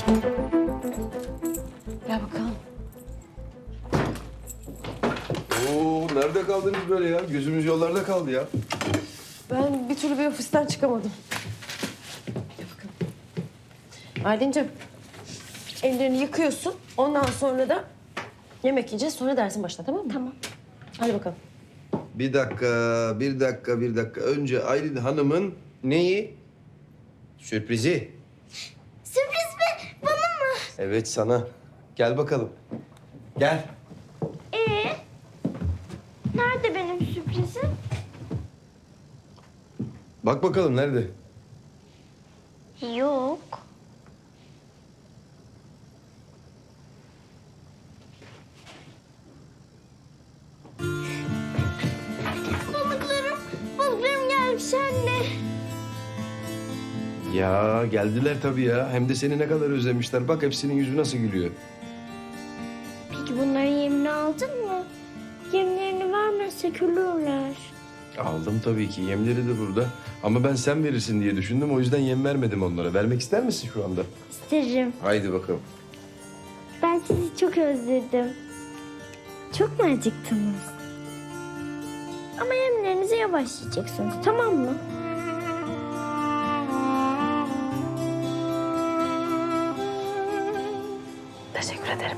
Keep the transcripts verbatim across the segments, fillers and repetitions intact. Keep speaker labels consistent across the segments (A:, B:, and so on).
A: Gel bakalım.
B: Oo, nerede kaldınız böyle ya? Gözümüz yollarda kaldı ya.
A: Ben bir türlü bir ofisten çıkamadım. Gel bakalım. Aylin'cim, ellerini yıkıyorsun. Ondan sonra da yemek yiyeceğiz. Sonra dersin başla, tamam mı?
C: Tamam.
A: Hadi bakalım.
B: Bir dakika, bir dakika, bir dakika. Önce Aylin Hanım'ın neyi? Sürprizi.
C: Sürpriz mi? Bana mı?
B: Evet, sana. Gel bakalım. Gel.
C: Ee, nerede benim sürprizim?
B: Bak bakalım nerede?
C: Yok. Balıklarım, balıklarım gelmiş anne.
B: Ya geldiler tabii ya. Hem de seni ne kadar özlemişler. Bak hepsinin yüzü nasıl gülüyor.
C: Peki bunların yemini aldın mı? Yemlerini vermezsek ölürler.
B: Aldım tabii ki. Yemleri de burada. Ama ben sen verirsin diye düşündüm. O yüzden yem vermedim onlara. Vermek ister misin şu anda?
C: İsterim.
B: Haydi bakalım.
C: Ben sizi çok özledim. Çok mu acıktınız? Ama yemlerinizi yavaş yiyeceksiniz, tamam mı?
A: Teşekkür ederim.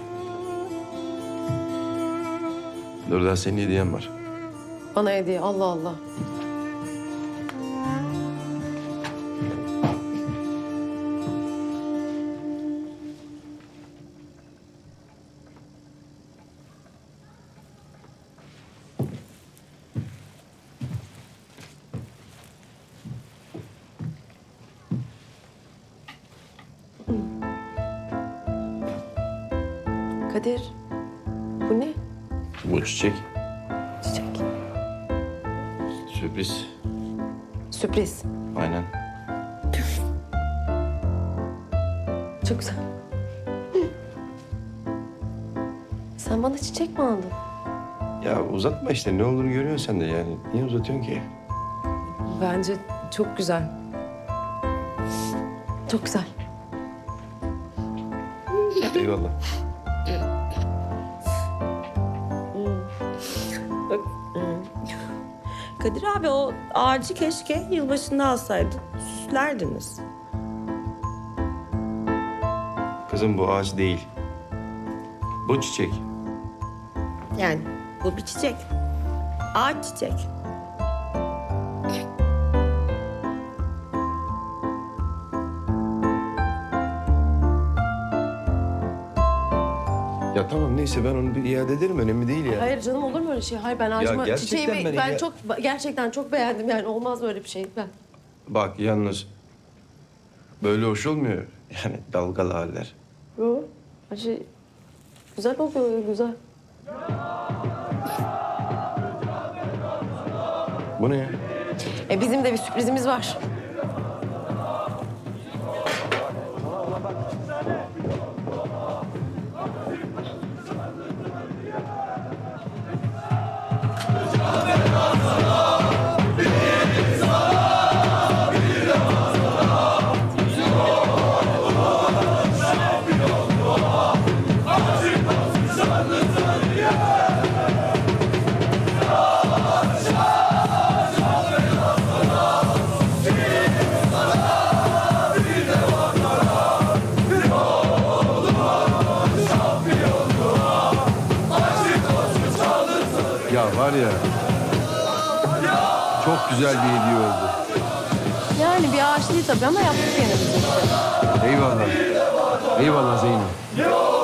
B: Dur daha senin hediyen var.
A: Bana hediye, Allah Allah. Kadir, bu ne?
B: Bu çiçek.
A: Çiçek.
B: Sürpriz.
A: Sürpriz.
B: Aynen.
A: Çok güzel. Sen bana çiçek mi aldın?
B: Ya uzatma işte. Ne olduğunu görüyorsun sen de yani. Niye uzatıyorsun ki?
A: Bence çok güzel. Çok güzel.
B: Eyvallah.
D: Kadir abi o ağacı keşke yılbaşında alsaydın. Süslerdiniz.
B: Kızım bu ağaç değil. Bu çiçek.
D: Yani bu bir çiçek. Ağaç çiçek.
B: Ya tamam neyse ben onu bir iade ederim. Önemli değil yani.
A: Hayır canım, olur mu öyle şey? Hayır, ben ağacıma
B: gerçekten
A: çiçeğimi
B: ben
A: ben,
B: ya-
A: çok gerçekten çok beğendim yani, olmaz böyle bir şey. Ben
B: Bak yalnız böyle hoş olmuyor. Yani dalgalı haller.
A: Yo, acı güzel oluyor, güzel.
B: Bu ne ya?
A: E bizim de bir sürprizimiz var.
B: Ya var ya. Çok güzel bir hediye oldu.
A: Yani bir ağaç değil tabii ama yaptık yine biz.
B: Eyvallah. Eyvallah Zeynep.